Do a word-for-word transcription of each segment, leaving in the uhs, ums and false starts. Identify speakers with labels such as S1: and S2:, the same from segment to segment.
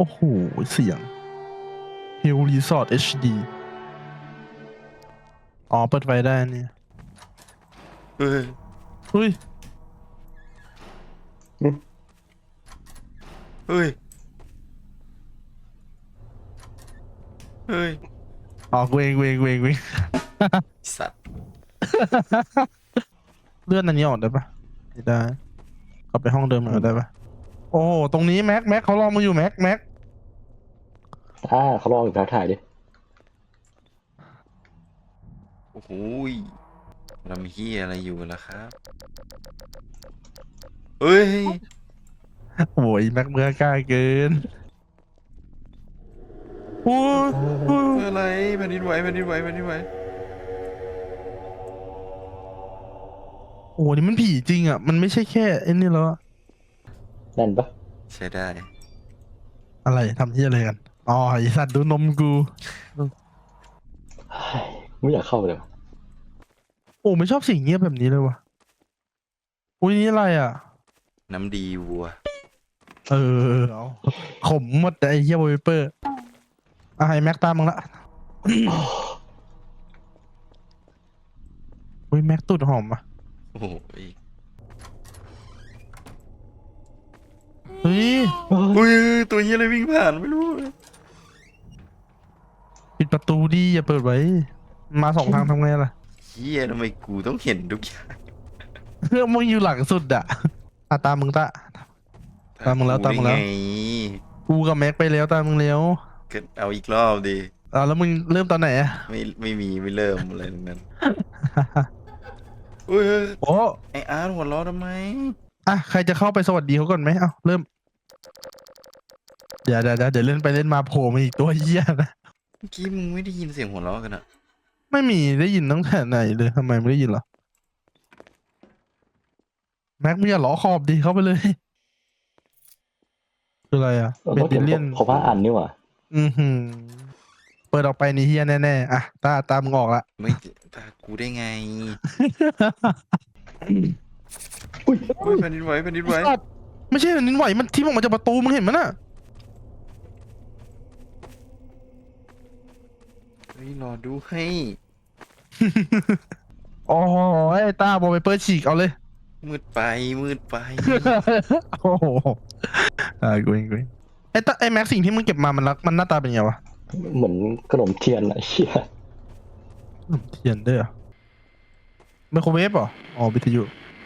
S1: โอ้โหเสียง Hill Resort เอช ดี อ๋อเปิดไฟได้เนี่ย
S2: เฮ้ย
S1: เฮ้ย
S2: เฮ้ยเฮ้ย
S1: อ๋อกูเองกูเองกูเองกูเอง
S2: สัตว์
S1: เลื่อนอันนี้ออกได้ปะไม่ได้กลับไปห้องเดิมเหมือนได้ปะโอ้โหตรงนี้แม็กแม็กเขารอมาอยู่แม็กแม็ก
S3: อ่าเขาลองอยู่ถ่ายดิ
S2: โอ้โหยเรามีเฮียอะไรอยู่ล่ะครับเฮ้ย
S1: โอ้ยแม็กเมื่อกล้าเกินโอ้ยโอ้ย
S2: อะไรแผ่นดินไหวแผ่นดินไหวแผ่นดินไหว
S1: โอ้โหนี่มันผีจริงอ่ะมันไม่ใช่แค่ไอ้นี่แล้วอะ
S3: แน่นปะ
S2: ใช้ได้
S1: อะไรทำที่อะไรกันอ๋อไอสัตว์ดูนมกู
S3: เฮ้ยไม่อยากเข้าเลยว่ะ
S1: โอ้ไม่ชอบสิ่งเงียบแบบนี้เลยวะอุ้ยนี่อะไรอ่ะ
S2: น้ำดีวัว
S1: เออเอาขมหมดแต่ไอ้เหี้ยโวเปอร์อ่ะไอ้แม็กตามมึงละ อุ้ยแม็กตูดหอมอ่ะ
S2: โอ้โหย
S1: เฮ้ย
S3: เฮ้ย
S2: อุ้ยตัวเฮียอะไรวิ่งผ่านไม่รู้
S1: ปิดประตูดีอย่าเปิดไว้ มาสองทางทำไงล่ะ
S2: เฮียทำไมกูต้องเห็นทุกอย่าง
S1: เพื่อมึงอยู่หลังสุดอ่ะอ่ะตามมึงตะ ตามมึงแล้วตามมึงแล้ว
S2: ได้ไง
S1: กูกับแม็กไปแล้วตามมึงแล้ว
S2: ก็เอาอีกรอบดิ
S1: อ่ะแล้วมึงเริ่มตอนไหนอ่ะ
S2: ไม่ไม่มีไม่เริ่มอะไรทั้งนั้นอุ้ยเฮ้ย
S1: โอ้
S2: ไออาร์ตหัวเราะทำไม
S1: อ่ะใครจะเข้าไปสวัสดีเขาก่อนไหมเอ้าเริ่มเดี๋ยวเดี๋ยวเดี๋ยวเดี๋ยวเล่นไปเล่นมาโผล่มาอีกตัวเหี้ยนะ
S2: เมื่อกี้มึงไม่ได้ยินเสียงหัวเราะกันอะ
S1: ไม่มีได้ยินตั้งแต่ไหนเลยทำไมไม่ได้ยินเหรอแม็กมึงอย่าล้อขอบดีเข้าไปเลยคืออะไรอ่ะ
S3: เรา
S1: เบ
S3: ต้อง
S1: ด
S3: เก็บ
S1: เลียน
S3: เขาว่าอันนี่หว่า
S1: อือหือเปิดออกไปนี่เฮียแน่ๆอ่ะตาตามึงออกละ
S2: ไม่ตากูได้ไง
S3: อุ้ย
S2: เฮ้ยแผ่นดินไหวแผ่นดินไหว
S1: ไอ้สัตว์ไม่ใช่แผ่นดินไหวมันทิ่มออกมาจากประตูมึงเห็นมั้ยน่ะ
S2: เฮ้ยรอดูให้
S1: อ๋อไอ้ตาบอลไปเปิดฉีกเอาเลย
S2: มืดไปมืดไป
S1: โอ้โหอ่ากูเองกูเองไอ้ตาไอ้แม็กสิ่งที่มึงเก็บมามันรักมันหน้าตาเป็นไงวะ
S3: เหมือนขนมเทียนอะเชี่ย
S1: อืมเทียนด้วยเหรอไมโครเวฟเหรออ๋อวิทยุ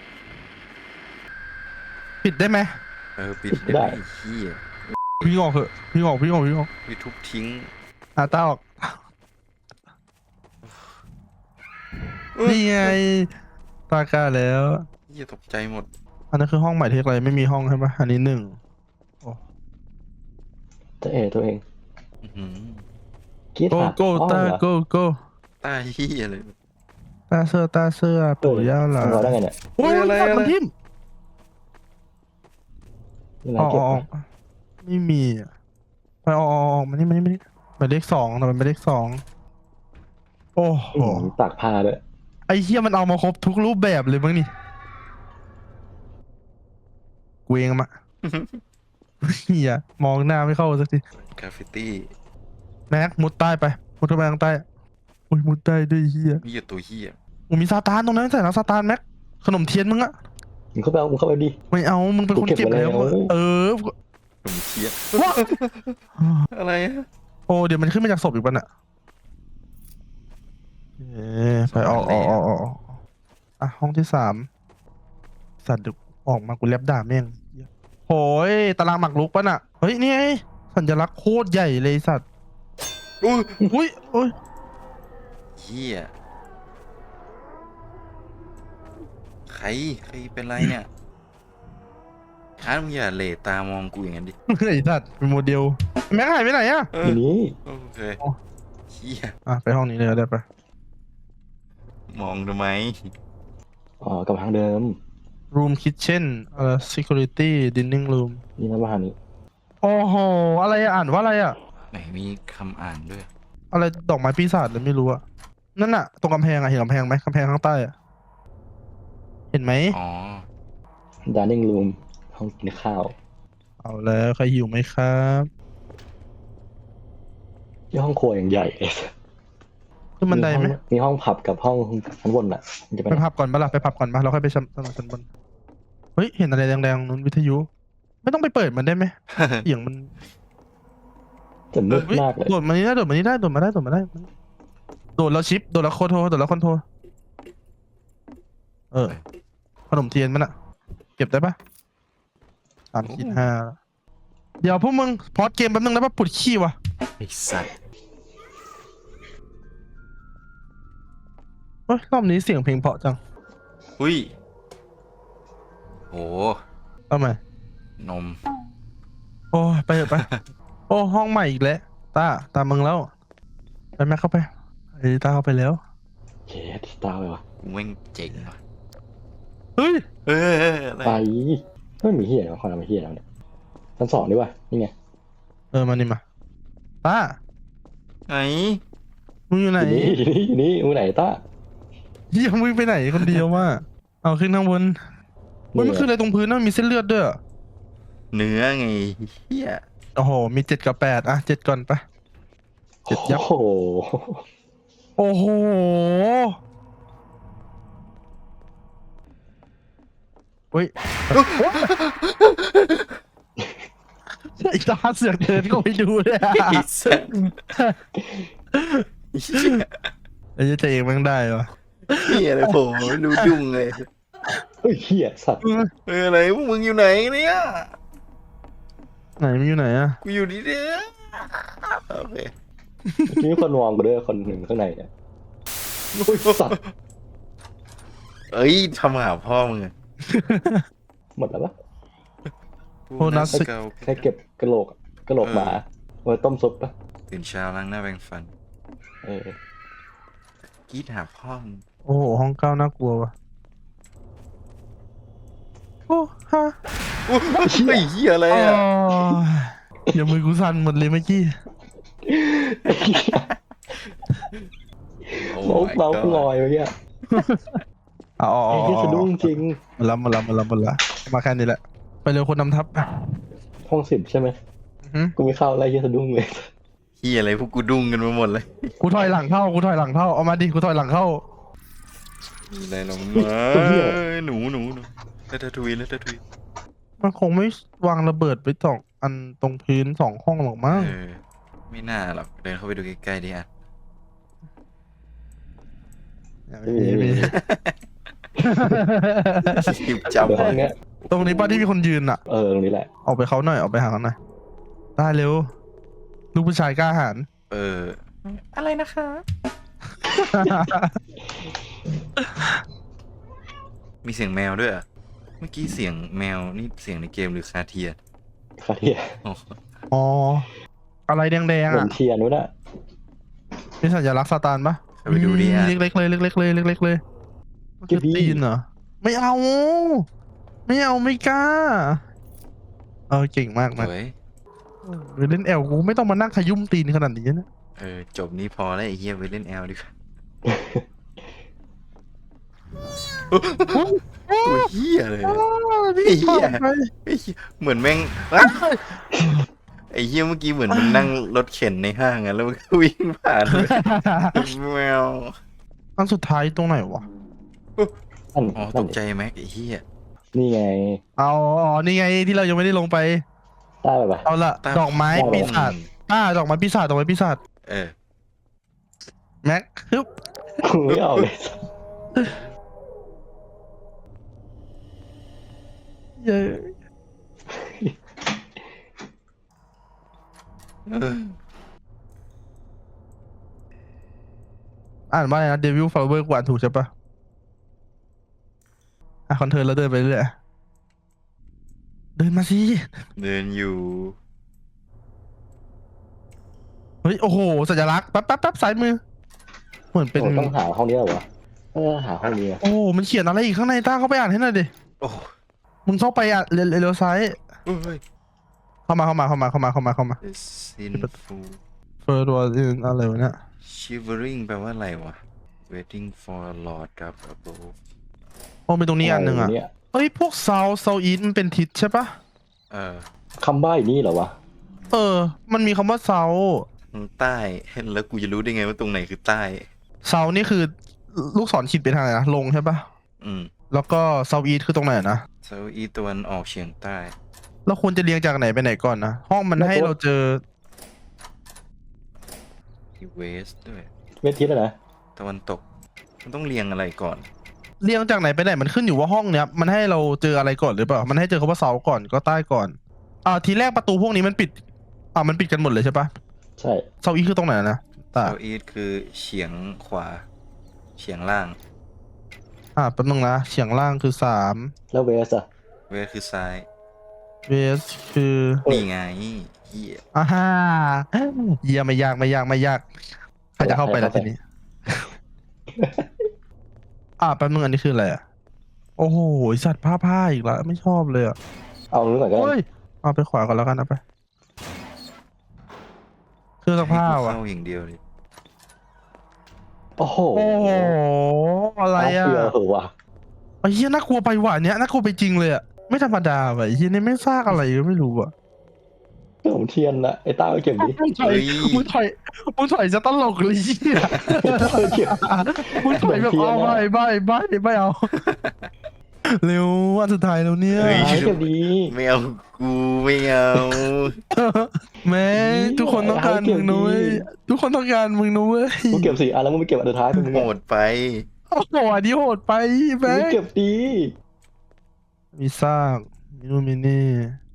S1: ปิดได้ไหม
S2: เออปิดได้ไอ้เฮีย
S1: พี่งออกเถอะพี่งออกพี่งออกพี่งออก
S2: ไปทุบทิ้ง
S1: อ่ะตาออก
S2: เอ้ย
S1: นี่ไงตากล้าแล้ว
S2: เฮียตกใจหมด
S1: อันนั้นคือห้องหมายเลขอะไรไม่มีห้องใช่ปะอันนี้หนึ่ง
S3: จะเอตัวเอง
S2: อื้อหือ
S3: กรีด
S1: โก
S3: หา
S1: โก้
S3: อ้อ
S1: ตา
S3: เหรอ
S1: โกโก้
S2: ตาเฮียเลย
S1: ตาเสื้อตาเสื้อปู่ย่าหลา
S3: ทำเราได้ไงเนี่ย
S1: โอ้ย
S2: เฮ้ยอะไร
S1: สัตว์
S2: อะไร
S1: มันทิ่ม
S3: นี่ไง
S1: อ๋อ
S3: เก็บ
S1: อ๋อ
S3: ปะ
S1: ไม่มีอ่ะไปอ๋ออ๋ออ๋อมันนี่มันนี่มันนี่หมายเลขสองแต่มันเป็นเลขสองโอ้โห
S3: อืมตากผ้าด้วย
S1: ไอ้เหี้ยมันเอามาครบทุกรูปแบบเลยมั้งนี่กูเองมะ เหี้ยมองหน้าไม่เข้าสักที
S2: กราฟฟิตี้
S1: แม็กมุดใต้ไปมุดเข้าไปข้างใต้อุ้ยมุดใต้ด้วยเหี้ย
S2: เฮียตัวเฮีย
S1: มึงมีซาตานตรงนั้นใส่แล้วซาตานแม็กขนมเทียนมึงอะ
S3: มึงเข้าไปเอามึงเข้าไปดิ
S1: ไม่เอามึงเป็นคน
S3: กูเก็
S1: เก็บบ
S3: ไว้
S1: แล้ว
S3: แล้ว
S1: เออ
S2: ผมเทีย
S1: ว้า
S2: อะไรอะ
S1: โอ้เดี๋ยวมันขึ้นมาจากศพอีกปะน่ะเอ๊ะไปออกออกออกออกออกอ่ะห้องที่สามสัตว์เดี๋ยวออกมากูแลบด่าแม่งโอ้ยตารางหมากรุกปะน่ะเฮ้ยนี่ไงสัญลักษณ์โคตรใหญ่เลยสัตว์
S2: อุ้ย
S1: อุ้ยโอ้ย
S2: เฮียใครใครเป็นไรเนี่ยอาร์ตมึงอย่าเหลตามองกูอย่างนั้นดิ
S1: ไอ้สัตว์เป็นโมเดลแม็กหายไปไหนอะ
S2: เอ
S3: ที
S2: อ
S3: นี้
S2: โอเคเฮีย
S1: อ่ะไปห้องนี้เลยก็ได้ปะ
S2: มองทำไม
S3: อ๋อกลับทางเดิม
S1: room kitchen เอ่อ security dining room
S3: นี่นะบ้านนี้
S1: โอ้โหอะไรอะอ่านว่าอะไรอะ
S2: ไหนมีคำอ่านด้วย
S1: อะไรดอกไม้ปีศาจเลยไม่รู้อะนั่นอะตรงกำแพงอะเห็นกำแพงไหมกำแพงข้างใต้อะเห็นไหม
S2: อ๋อ
S3: dining room ห้องกินข้าว
S1: เอาแล้วใครหิวไหมครับ
S3: ที่ห้องครัวอย่างใหญ่เลย
S1: ขึ้นบันไดไหม
S3: ห้องมีห้องผับกับห้องชั้นบนอ่ะมันจะไป
S1: ไปพับก่อนปะล่ะไปพับก่อนปะเราค่อยไปชั้นชั้นบนเฮ้ยเห็นอะไรแดงๆนู้นวิทยุ ไม่ต้องไปเปิดมันได้ไหม เสียงมัน
S3: จะมืด
S1: เฮ้ย
S3: มากเลย
S1: โดดมานี่ได้โดดมานี่ได้โดดมาได้โดดมาได้โดดแล้วชิปโดดแล้วโคโทรโดดแล้วคอนโทรเออขนมเทียนมันอะเก็บได้ปะสามขีดห้าเดี๋ยวพวกมึงพอดเกมแป๊บนึงแล้วปะปวดขี้วะ
S2: ไอ้สัตว์
S1: เฮ้ยรอบนี้เสียงเพลงเพราะจัง
S2: อุ้ยโห
S1: ทำไม
S2: นม
S1: โอ้ยไปเถอะไป โอ้ห้องใหม่อีกแล้วตาตามมึงแล้วไปแม่เข้าไปไอ้ตาเข้าไปแล้ว
S3: เช็ดสตาร์เลยวะ
S2: กูแม่งเจ๋งว่ะ
S1: เฮ้ย
S2: เอออะไร
S3: ไปไม่มีเฮียแล้วคอนทำเฮียแล้วเนี่ยชั้นสองดีกว่านี่ไง
S1: เออมานี่มาตา
S2: ไหน
S1: มึงอยู่ไหน
S3: อยู่นี่อยู่นี่อยู่นี่มือไหนต้า
S1: เฮียมึงไปไหนคนเดียววะเอาขึ้นข้างบนเฮ้ยมันคืออะไรตรงพื้นนะมันมีเส้นเลือดด้วยอะ
S2: เนื้อไงเฮีย
S1: โอ้โหมีเจ็ดกับแปดอ่ะเจ็ดก่อนไป เจ็ดยับ
S3: โอ้โห
S1: โอ้โหเฮ้ยไอ้ตาเสือกเดินก็ไปดูเลยอะ
S2: ไอ้สัตว์เหี้ย
S1: ไอ้เจ๊เองแม่งได้วะ
S2: เฮียอะไรผมไม่รู้ยุ่งเลย
S3: เฮ้ยเฮียสัตว์
S2: เอออะไรพวกมึงอยู่ไหนเนี่ย
S1: ไหนมันอยู่ไหนอะ
S2: กูอยู่นี่เด้อโอเค
S3: มีคนมองกูด้วยคนหนึ่งข้างในเนี่ยโอ้ยสัตว์
S2: เอ้ยทำหาพ่อมึงอะ
S3: หมดแล้วปะ
S1: โอ้นัส
S2: เกา
S3: แค่เก็บกระโหลกอะกระโหลกหมาไว้ต้มซุปปะ
S2: ตื่นเช้าล้างหน้าแปรงฟัน
S3: เออก
S2: รีดหาพ่อมึง
S1: โอ้โหห้องเก้าน่ากลัววะโอ้ฮะ
S2: โอ้ยเฮ้ยเฮียอะไร
S1: อ๋อ
S2: อ่ะ
S1: อย่ามือกูสั่นหมดเลยเมื่อกี้
S2: โอ้
S3: เมาส์
S2: my
S3: เมาส์
S2: god
S3: ลอยไปเนี่ย
S1: อ๋ออ๋อ
S3: ไอ้ที่สะดุ้งจริง
S1: มาแล้วมาแล้วมาแล้วมาแล้วมาแค่นี้แหละ ไปเร็วคนนำทัพ
S3: ห้องสิบใช่ไหม
S1: อือหือ
S3: กูไม่เข้าอะไรที่สะดุ้งเลย
S2: เฮียอะไรพวกกูดุ้งกันมาหมดเลย
S1: กูถอยหลังเข้ากูถอยหลังเข้าเอามาดิกูถอยหลังเข้า
S2: มีอะไรลงมาหนูหนูหนูแล้วตะทุยแล้วตะทุย
S1: มันคงไม่วางระเบิดไปสองอันตรงพื้นสองห้องหรอกมั้ง
S2: เออไม่น่าหรอกเดินเข้าไปดูใกล้ๆดิอ่ะ
S1: ไม่มีไม่มี
S2: หยิบ
S3: เดี๋ยว
S2: จำ
S3: ห้องเนี้ย
S1: ตรงนี้ป้าที่มีคนยืนอ่ะ
S3: เออตรงนี้แหละ
S1: ออกไปเขาหน่อยออกไปหาเขาหน่อยได้เร็ว ลูกผู้ชายกล้าหาญ
S2: เอออะไรนะคะมีเสียงแมวด้วยอ่ะเมื่อกี้เสียงแมวนี่เสียงในเกมหรือคาเทีย
S3: คาเทีย
S2: อ๋อ
S1: อ๋อ อะไรแดง
S3: เห
S1: ๆ
S3: มือ
S1: อ่ะ
S3: นเทียนนู้นอะ
S1: มีสัญลักษณ์ซาตานปะ
S2: เข้าไปดูดิอ่ะ
S1: เล็กๆเลยเล็กๆเลยเล็กๆเลยมันคือตีนเหรอ ไม่เอา ไม่เอาไม่กล้า เออเก่งมาก
S2: ส
S1: นะ
S2: วย
S1: ไปเล่นแอลกูไม่ต้องมานั่งขยุ่มตีนขนาดนี้นะ
S2: เออจบนี้พอแล้วไอ้เฮียไปเล่นแอลดีกว่าตัวเฮียเลย
S1: พี่
S2: ไอ้เหี้ย
S1: ถอดไป
S2: ไอ้เหี้ยเหมือนแม่งอ้าวไอ้เฮียเมื่อกี้เหมือนมันนั่งรถเข็นในห้างอะแล้วมันก็วิ่งผ่านเลยแมว
S1: อันสุดท้ายตรงไหนวะ
S3: นั่น
S2: อ๋อต
S3: นั่น
S2: กใจแม็กไอ้เฮีย
S3: นี่ไง
S1: เอาอ๋อนี่ไงที่เรายังไม่ได้ลงไป
S3: ต้าไปปะ
S1: เอาละ
S2: ตา
S1: ดอกไม้
S3: โอ้
S1: ปีศาจป้าดอกไม้ปีศาจดอกไม้ปีศาจ
S2: เออ
S1: แม็กฮึบ
S3: กูไม่เอาเลย
S1: เย้
S2: เออ
S1: อ่านว่าอะไรนะเดวิลฟลาเวอร์กวาดถูกใช่ปะอ่ะคอนเทิร์นแล้วเดินไปเรื่อยเดินมาสิ
S2: เดินอยู่
S1: เฮ้ยโอ้โหสัญลักษณ์แป๊บแป๊บแป๊บซ้ายมือ เหมือนเป็น
S3: โอ้ต้องหาห้องนี้เหรอวะเออหาห้องนี้อะ
S1: โอ้มันเขียนอะไรอีกข้างในต้าเข้าไปอ่านให้หน่อยดิ
S2: โอ้
S1: มึงเข้าไปอ่ะเลี้ยวซ้าย
S2: เฮ้ย
S1: เข้ามาเข้ามาเข้ามาเข้ามาเข้ามาเข้ามา
S2: sinful
S1: เฟอร์ดัวอะไรวะเนี่ย
S2: shivering แปลว่าอะไรวะ waiting for a lord ครับ above
S1: โอ้เป็นตรงนี้อันหนึ่งอ่ะ
S3: เย
S1: เฮ้ยพวกเซาเซาอีทมันเป็นทิศใช่ปะ
S2: เออ
S3: คำใบ้นี่เหรอวะ
S1: เออ มันมีคำว่าเซา
S2: ทางใต้แล้วกูจะรู้ได้ไงว่าตรงไหนคือใต้
S1: เซานี่คือลูกศรขีดไปทางไหนนะลงใช่ปะ
S2: อืม
S1: แล้วก็เซาอีทคือตรงไหนนะ
S2: เซาท์อีสต์ตะวันออกเฉียงใต้
S1: เราควรจะเรียงจากไหนไปไหนก่อนนะห้องมันให้เราเจอ
S2: ที่เวสด้วย
S3: เวทีแล้วนะ
S2: ตะวันตก มันต้องเรียงอะไรก่อน
S1: เรียงจากไหนไปไหนมันขึ้นอยู่ว่าห้องเนี้ยมันให้เราเจออะไรก่อนหรือเปล่ามันให้เจอคำว่าเซาก่อนก็ใต้ก่อนอ่าทีแรกประตูพวกนี้มันปิดอ่ามันปิดกันหมดเลยใช่ปะ
S3: ใช่
S1: เซาอีทคือตรงไหนนะตา
S2: เซาท์อีสต์คือเฉียงขวา เฉียงล่าง
S1: อ่าแป๊บนึงนะเฉียงล่างคือสาม
S3: แล้วเวสอะ
S2: เวสคือซ้าย
S1: เวสคือ
S2: นี่ไงเฮีย
S1: อ่าฮ่าเยี่ยไม่ยากไม่ยากไม่ยากใครจะเข้าไปแล้วทีนี้ อ่าแป๊บนึงอันนี้คืออะไรอ่ะโอ้โหไอ้สัตว์ผ้าผ้าอีกแล้วไม่ชอบเลยอ่ะ
S3: เอานู้นก่อนก็
S1: โอ้
S3: ได้
S1: ยเอาไปขวาก่อนแล้วกันเอาไปเครื่องซักผ้า
S2: ให้กู
S1: ว่ะ
S2: เข้าอย่างเดียวเลย
S3: โอ้โห
S1: โอ้โหอะไรอ่ะ
S3: เฟียวเหอะว่ะ
S1: ไอ้เหี้ยน่ากลัวไปว่ะเนี้ยน่ากลัวไปจริงเลยอ่ะไม่ธรรมดาว่ะไอ้เหี้ยนี่ไม่ซากอะไรก็ไม่รู้อ่ะ
S3: ขนมเทียนนะไอ้ต้าไปเก็บดิ
S1: มึงถอยมึงถอยมึงถอยจะตลกเลยเหี้ย
S3: ต้าไปเก็บ
S1: มึงถอยแบบเอาไม่ไม่ไม่ไม่เอาเร็ววันสุดท้ายแล้วเนี่ย
S3: หาให้เก็บดี
S2: ไม่เอากูไม่เอา
S1: แม่ทุกคนต้องการมึงนุ้ยทุกคนต้องการมึงนุ้ย
S3: มึงเก็บสี่อันแล้วมึงไปเก็บอันสุดท้ายเป็นมึง
S2: โห
S3: ไง
S2: ดไป
S1: โอ้โหอันนี้โหดไป
S3: มึ
S1: แม่
S3: งเก็บดี
S1: มีซากมีนู่นมีนี่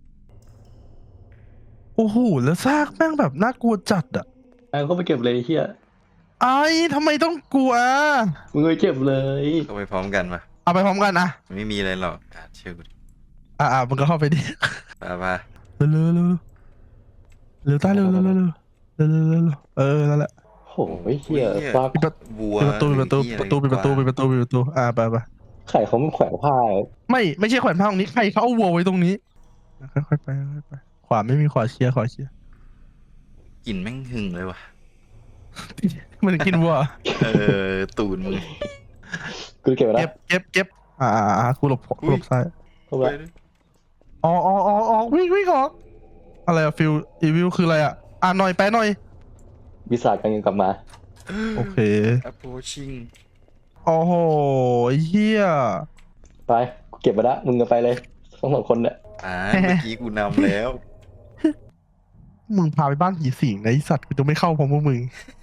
S1: โอ้โหแล้วซากแม่งแบบน่ากลัวจัดอ่ะ
S3: ไอ้ก็ไปเก็บเลยไอ้เฮีย
S1: ไอ้ทำไมต้องกลัว
S3: มึงไปเก็บเลย
S2: ก็ไปพร้อมกันมา
S1: เอาไปพร้อมกันนะ
S2: ไม่มีอะไรหรอกอ่ะเชื่อกูดิ
S1: อ่าอ่ามึงก็เข้าไปดิ
S2: ไปไป
S1: เร็วเร็วเร็วเร็วใต้เร็วเร็วเร็วเร็วเร็วเร็วเร็วเร็วเออนั่นแหละ
S3: โอ้ยเฮียฟัก
S1: ปิดประ
S2: วัว
S1: ตูปิดประตูปิดประตูปิดประตูปิดประตูปิดประตูอ่าไปไป
S3: ไข่เขาไม่แขวนผ้า
S1: ไม่ไม่ใช่แขวนผ้าตรงนี้ใครเขาเอาวัวไว้ตรงนี้ค่อยๆไปค่อยๆไปขวาไม่มีขวาเชียร์ขวาเชียร์
S2: กลิ่นแม่งหึงเลยว่ะ
S1: มันกินวัว
S2: เออ ตูนมึง
S3: กูเก็บไว้แล้
S1: เก็
S3: ว
S1: บเก็บเก็บอ่าอ่าอ่ากูหลบกูหลบซ้าย
S3: เข้าไป
S1: อ๋ออ๋ออ๋ออ๋อวิ่งวิ่งออกอะไรอะฟิลอีวิวคืออะไรอะอ่านหน่อยแปลหน่อย
S3: วิสาจกำลังกลับมา
S1: โอเค
S2: approaching
S1: โอ้โหเฮีย
S3: ไปกูเก็บไปแล้วมึงก็ไปเลยทั้งสองคนเนี่ย
S2: อ่าเมื่อกี้กูนำแล้ว
S1: มึงพาไปบ้านผีสิงนะไอสัตว์กูจะไม่เข้าพร้อมพวกมึง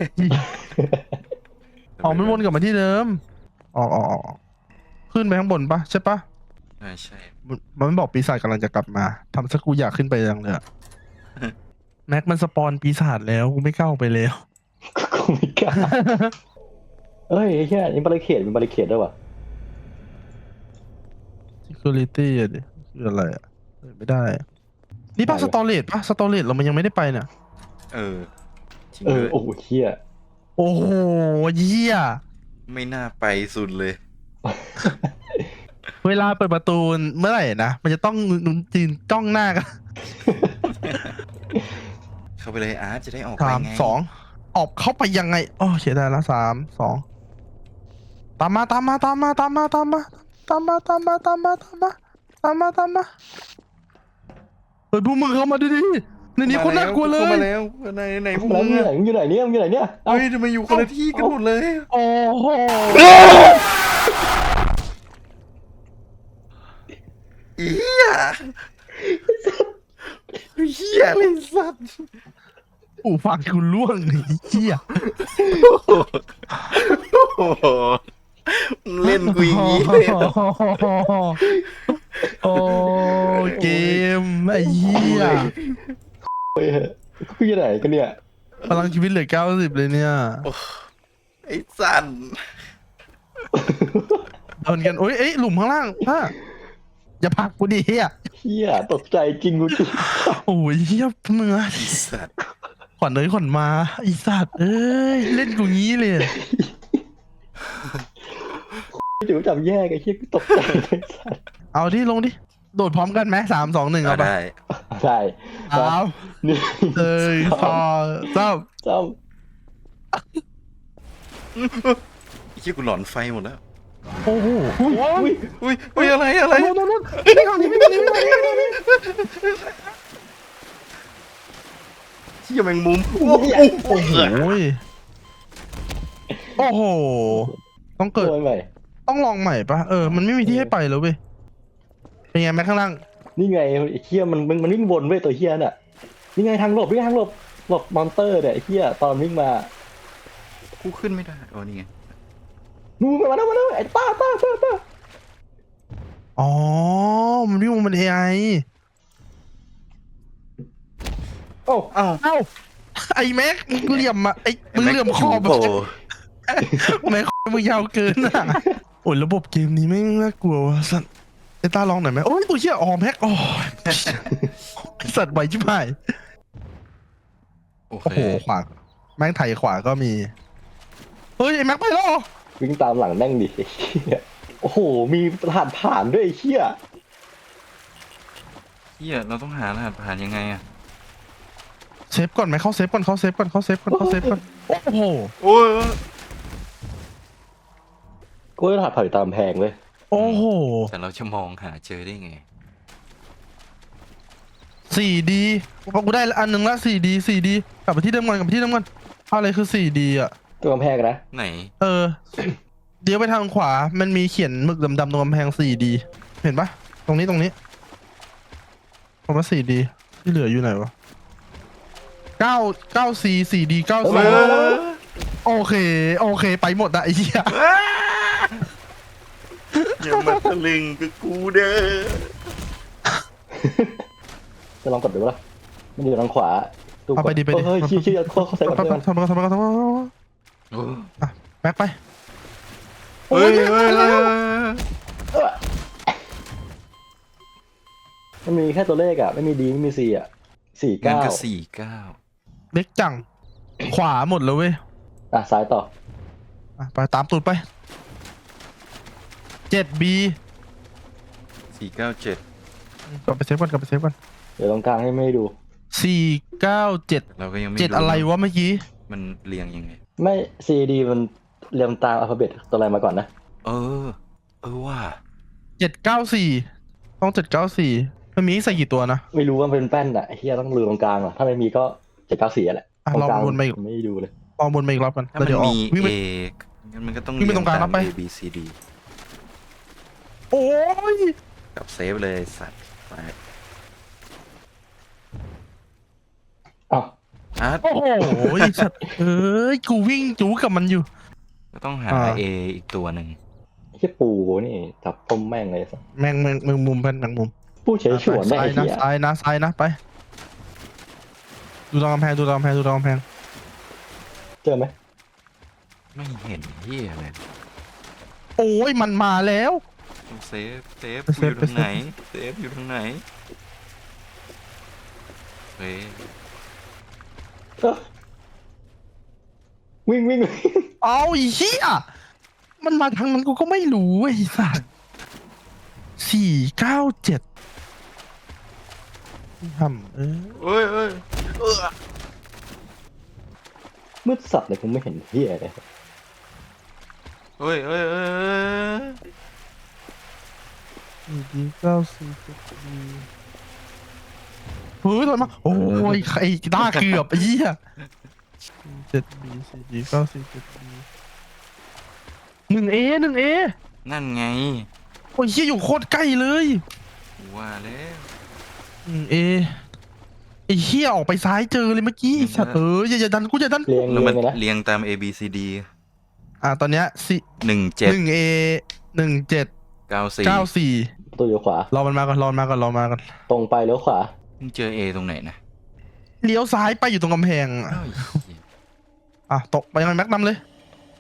S1: อ๋อมันวนกลับมาที่เดิมอ๋ออ๋ออ๋อขึ้นไปข้างบนปะใช่ปะ
S2: ใช่ใช่
S1: มันมันบอกปีศาจกำลังจะกลับมาทำสักกูอยากขึ้นไปยังเลยอะ แม็กมันสปอนปีศาจแล้วกูไม่กล้าออกไปแล้ว
S3: กูไม่กล้าเอ้ยไอ้เหี้ยนี่บาริเคดมีบาริเคดด้วยวะ
S1: security อะดิคืออะไรอะเปิดไม่ได้อะนี่ป่ะสตอเรจป่ะสตอเรจเรามันยังไม่ได้ไปเนี่ย
S2: เออ จริง
S3: เอ
S2: เล
S3: อย โอ้โหเหี้ย
S1: โอ้โหเยี่ย
S2: ไม่น่าไปสุดเลย
S1: เวลาเปิดประตูเมื่อไหร่นะมันจะต้องนุนจีนจ้องหน้ากัน
S2: เข้าไปเลยอาร์ตจะได้ออกไป
S1: สาม
S2: ไง
S1: สองออกเข้าไปยังไงอ๋อเสียดายละสามสองตามมาตามมาตามมาตามมาตามมาตามมาตามมาตามมาตามมาตามมาตามมาเฮ้ยพวกมึงเข้ามาดิดิในนี้คนน่ากลัวเล
S2: เข้าย มาแล้วไหนไหนพวก
S3: แล้ว
S2: มึง
S3: มึงอยู่
S2: อะ
S3: ไหนมึงอยู่ไหนเนี่ยมึงอยู่ไหนเนี่ยเอ้า
S2: เฮ้ยทำไมอยู่คนละที่กันหมดเลย
S1: โอ้โห
S2: อีเหี้ยเหี้ยเลยสัตว์
S1: อูฟังกูล่วงไอ้เหี้ย
S2: โอ้โหมึงเล่นกูอย่างนี้เลยเหรอ
S1: โอ้เกมไอ้เหี้ย
S3: เฮ้ยกูอยู่ไหนกันเนี่ย
S1: พลังชีวิตเหลือเก้าสิบเลยเนี่ย
S2: ไอ้สัน
S1: โดนกันโอ้ยเอ้ยหลุมข้างล่างพ่าอย่าผลักกูดิเฮีย
S3: เหี้ยตกใจจริงกูจริง
S1: โอ้ยเฮียเนื้อ
S2: ไอ้สัตว์
S1: ขวัญเอ้ยขวัญมาไอสัตว์เอ้ยเล่นกูงี้เลย
S3: เดี๋ยวจับแยกไอ้เหี้ยกูตกใจเลยสัส
S1: เอาดิลงดิโดดพร้อมกันไหมสามสองหนึ่ง
S2: เอา
S1: เอาไป
S2: ได้
S3: ใช่
S1: สาม
S3: หนึ่ง
S1: เอ้ยสองสาม
S3: สาม
S2: ไอ้เหี้ยกูหลอนไฟหมดแล้ว
S1: โอ้โหโอ้โห
S3: อุ้ย
S2: อุ้ยอุ้ยอะไรอะไร
S1: โน่นโน่นโน่นไม่ทางนี้ไม่ทางนี้ไม่ทางนี้ไม่ทางนี้
S2: ชเหี้ยแมงมุมโอ้โห
S1: โอ้โหยโอ้โห ต้องเกิด
S3: โดนไป
S1: ต้องลองใหม่ปะเออ มันไม่มีที่ให้ไปแล้วเว้ย เป็นไงแม็กข้างล่าง
S3: นี่ไงไอ้เฮียมันมันมันวิ่งวนเว้ยตัวเฮียน่ะนี่ไงทางหลบนี่ไงทางหลบหลบมอนเตอร์เนี่ยไอ้เฮียตอนวิ่งมา
S2: กูขึ้นไม่ได้โอ้นี่ไง
S3: นู่นมาแล้วมาแล้วไอ้ต้าต้าต้าต้า
S1: อ๋อ มันวิ่งมันเอไอ
S3: โอ้า
S2: อ้าว
S1: เอ้า ไอ้แม็กมึงเหลี่ยมอะไอ้มึงเหลี่ยมคอ
S2: แม็
S1: แบ
S2: ก
S1: บ
S2: โผล่
S1: แม็กมึงยาวเกินอะโอ้ยระบบเกมนี้ไม่งน่ากลัวว่ะสัตว์ไอ้ตาลองหน่อยไหมโอ้ยตัวเชี่ยอ๋อแม็กอ๋อไอ้สัตว์ไหวชิบหาย
S2: โอ
S1: โอ้
S2: เค
S1: โหขวาแม่งไถขวาก็มี เฮ้ยไอ้แม็กไปแล้วเหรอ
S3: วิ่งตามหลังแม่งดิไอ้เฮียโอ้โหมีรหัสผ่านด้วยไอ้เฮีย
S2: เหี้ยเราต้องหารหัสผ่านยังไงอะ
S1: เซฟก่อนไหมเข้าเซฟก่อนเข้าเซฟก่อนเข้าเซฟก่อนเข้าเซฟก่อนโอ้โห
S2: โอ้ย
S3: กูรหัสผ่านอยู่ตามแพงเลย
S1: โอ้โห
S2: แต่เราจะมองหาเจอได้ไง
S1: สี่ดีกูได้อันหนึ่งละสี่ดีสี่ดีกลับไปที่เดิมก่อนกลับไปที่เดิมก่อนอะไรคือสี่ดีอ่ะ
S3: ตัวกำแพงนะ
S2: ไหน
S1: เออ เดี๋ยวไปทางขวา มันมีเขียนหมึกดำๆตรงกำแพงสี่ดี เห็นปะตรงนี้ตรงนี้ผมว่าสี่ดีที่เหลืออยู่ไหนวะเก้าเก้าซีสี่ดีเก้า
S3: เออ
S1: ซี
S3: มาแล้ว
S1: โอเค โอเค ไปหมดอะไอ้เหี้ย
S2: อย่ามาตะลึงกับกูเด้อ
S3: จะลองกดดูปะล่ะมันอยู่ทางขวาดู
S1: เอาไปดิไปดิ
S3: เฮ้ยชี้ชี้เข้าเข้าใส่
S1: ไป
S3: ก่อน
S1: ไป
S3: เพื่อน
S1: ทำมาทำมาทำมา
S2: โอ้
S1: แม็กไป
S2: เฮ้ยเฮ้ยเฮ้ย
S3: เออมันมีแค่ตัวเลขอ่ะไม่มีดีไม่มีซีอ่ะสี่
S2: งั้น
S3: เก้า
S2: ก็สี่เก้า
S1: เล็กจัง ขวาหมดเลยเว้ย
S3: อ่ะซ้ายต่อ
S1: อ่ะไปตามตูดไปเจ็ดบี
S2: สี่เก้าเจ็ด
S1: กลับไปเซฟก่อนกลับไปเซฟก่อน
S3: เดี๋ยวตรงกลางให้ไม่ดู
S1: สี่เก้าเจ็ด
S2: เราก็ยังไม่
S1: เจ็ดอะไรวะเมื่อกี้
S2: มันเรียงยังไง
S3: ไม่ซีดีมันเรียงตามอัลฟาเบตตัวอะไรมาก่อนนะ
S2: เออ เออว่า
S1: เจ็ดเก้าสี่ต้องเจ็ดเก้าสี่มันมีให้ใส่กี่ตัวนะ
S3: ไม่รู้ว่ามันเป็นแป้นอ่ะไอ้เฮียต้องดูตรงกลางอ่ะถ้าไม่มีก็เจ็ดเก้าสี่แหละ
S1: อ่ะ
S3: ตรงกลาง
S1: ลองวนไปอีก
S3: ไม่ดูเลย
S1: ลองบนไปอีกรอบกัน
S2: ถ้า
S1: แล้ว
S2: มัน
S1: เดี๋ยวออก
S2: มี
S1: วิ่ง
S2: เอ
S1: ไป
S2: งั้นมันก็ต้อง
S1: วิ่งไปตรงกลาง
S2: เย
S1: รับไป
S2: ตม A B C D
S1: โอ้ย
S2: กับเซฟเลยสัตว์ไป
S3: อ้าว
S2: อาร์ต
S1: โอ้โหสัตว์เอ้ยกูวิ่งจู๊กับมันอยู่
S2: ก็ต้องหา
S1: อ่า
S2: A อีกตัวหนึ่ง
S3: เฮียปูนี่จับต้มแม่งเลยสัส
S1: แมงแมงแมงมุมเป็นแมงมุม
S3: ปูเฉยฉวนได้
S1: ซ้า
S3: ไอ้
S1: ยนะ
S3: เฮีย
S1: ซ้ายนะซ้ายนะไป ดูตรงกำแพงดูตรงกำแพงดูตรงกำแพง
S3: เจอไหม
S2: ไม่เห็นเหี้ยเลย
S1: โอ้ยมันมาแล้ว
S2: ต้องเซฟเซฟ
S1: ไปเซ
S2: อ
S1: ฟ
S2: ยู่ทาง
S1: ไปเซฟ
S2: ไหนเซฟอยู่ทางไหนเฮ้ย
S3: เอ้อวิ่งวิ่งวิ่ง
S1: เอาอีเหี้ยมันมาทางนั้นกูก็ไม่รู้ไอ้สัสสี่เก้าเจ็ดทำเออ
S2: เอ้ยเอ้ยเออ
S3: มืดสัตว์เลยผมไม่เห็นเฮียเลย
S2: เอ้ยเอ้ยเอ้ยเอ้ย
S1: สี่ดีเก้าสี่เจ็ดดีเฮ้ยถอยมาโอ้ยไอ้ต้าเกือบไอ้เหี้ยเจ็ดบีสี่ดีเก้าสี่เจ็ดบีหนึ่งเอหนึ่งเอ
S2: นั่นไง
S1: โอ้ยเหี้ยอยู่โคตรใกล้เลย
S2: ว่าแล้ว
S1: หนึ่งเอไอ้เหี้ยออกไปซ้ายเจอเลยเมื่อกี้ไอ้สัตว์เอออย่าอย่าดันกูอย่าดัน
S3: เรียง
S2: แล้ว
S3: เรีย
S2: มัน
S3: งเลยนะ
S2: เรียงตาม A B C D
S1: อ่ะตอนเนี้ยสี่
S2: หนึ่งเจ็ด
S1: หนึ่งเอหนึ่งเจ็ด
S2: เก้าสี่
S1: เก้าสี่
S3: ประตูอยู่ขวาร
S1: อมันมาก่อนรอมันมาก่อนรอมาก่อน
S3: ตรงไปเลี้ยวขวา
S2: มึงเจอ A ตรงไหนนะ
S1: เลี้ยวซ้ายไปอยู่ตรงกำแพงอ่ะ
S2: เอ้าเหี้ย
S1: อ่ะตกไปยังไงแม็กนำเลย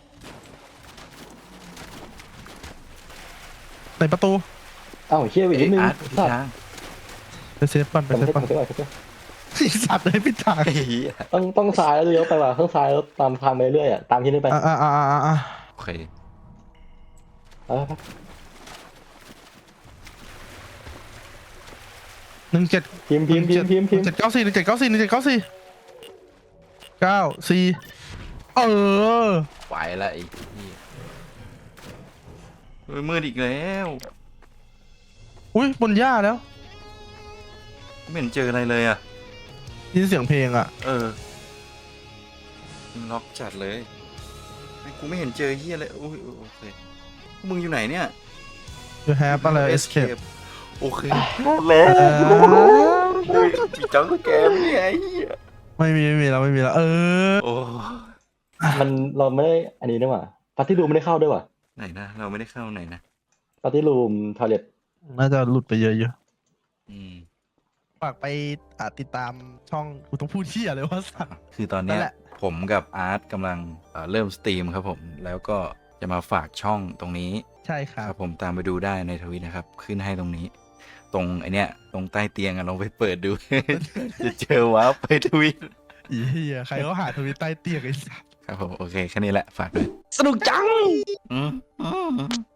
S1: ในประตู
S3: อ้าวเฮียอีก
S2: เอ้
S3: นิ
S2: ย
S3: ดนึง
S2: อาร์ตพี่
S3: สัตว์
S2: ช้าง
S1: ไปเซฟก่อนไป
S3: ทำ
S1: เซฟ
S3: เซ็ต
S1: ก่อน
S3: ทำเซ็ตก่อนทำเซ็ต
S1: ไอ้สัตว์เลยพี่ทาง
S2: ไอ้เหี้ย
S3: ต้องต้องซ้ายแล้วเลี้ยวไปว่ะข้างซ้ายแล้วตามทางไปเรื่อยอ่ะตามที่นี่ไป
S1: อ่ะอ่ะอ่ะอ่ะอ่ะ
S2: โอเค
S3: เอาไป
S1: หนึ่งเจ็ด
S3: พิมพ์พิมพ์พิมพ์พิมพ์พิมพ์
S1: เจ็ดเก้าสี่หนึ่งเจ็ดเก้าสี่หนึ่งเจ็ดเก้าสี่เก้าสี่เออ
S2: ไปละไอ้เหี้ยเฮ้ยมืดอีกแล้ว
S1: อุ้ยบนหญ้าแล้ว
S2: ไม่เห็นเจออะไรเลยอ่ะ
S1: ยินเสียงเพลงอ่ะ
S2: เออมึงล็อกจัดเลยไม่กูไม่เห็นเจอเฮียเลยโอ้ยโอเคพวกมึงอยู่ไหนเนี่ย
S1: you have อะไร escape
S2: โอเคแล้วมีจังสแกมเนี่ยไอ้เหี้ย
S1: ไม่มีไม่มีแล้วไม่มีแล้วเออ
S2: โอ้
S3: มันเราไม่ได้อันนี้ด้วยว่ะปาร์ตี้รูมไม่ได้เข้าด้วยว่ะ
S2: ไหนนะเราไม่ได้เข้าไหนนะ
S3: ปาร์ตี้รูมทอยเลท
S1: น่าจะหลุดไปเยอะอยู่
S2: อืม
S1: ฝากไปอ่าติดตามช่องกูต้องพูดเที่ยเลยว่าสัตว์
S2: คือตอนเนี้
S1: นั่
S2: ย
S1: นแหละ
S2: ผมกับอาร์ตกำลังเอ่อเริ่มสตรีมครับผมแล้วก็จะมาฝากช่องตรงนี้
S1: ใช่ครั
S2: ค
S1: บ
S2: รับผมตามไปดูได้ในทวิตนะครับ ขึ้นให้ตรงนี้ ตรงไอเนี้ยตรงใต้เตียงอะลองไปเปิดดู จะเจอว้าร์ปไปทวิต
S1: อีเหี้ยใครเขาหาทวิตใต้เตียงไอ้สัส
S2: ครับผมโอเคแค่นี้แหละฝากด้วย
S1: สนุกจัง
S2: อืมอืม